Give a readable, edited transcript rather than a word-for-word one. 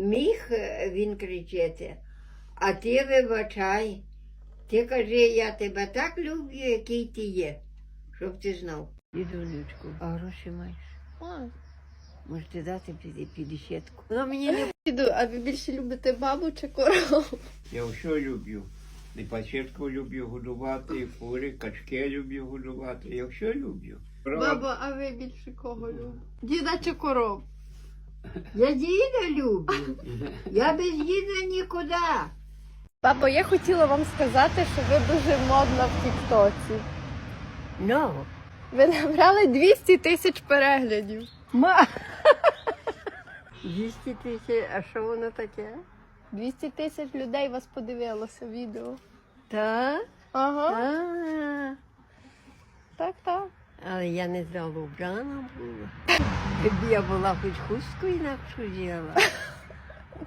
міг він кричати, а ти вибачай. Ти кажи, я тебе так люблю, який ти є, щоб ти знав. Дідулечку, а гроші маєш? Ой. Можете дати 50-ку. Вона мені не... Діду, а ви більше любите бабу чи корову? Я все люблю. І пасітку люблю годувати, і кури, качки люблю годувати. Я все люблю. Баба, а ви більше кого любите? Діда чи коров? Я діда люблю. Я без діда нікуди. Бабо, я хотіла вам сказати, що ви дуже модна в Тіктоці. Ну, Ви набрали 200 тисяч переглядів. 200 тисяч, а що воно таке? 200 тисяч людей вас подивилося відео. Так? Ага, Так. так. Але я не знала, вбрана була. Якби я була хоч хустку інакшу взяла.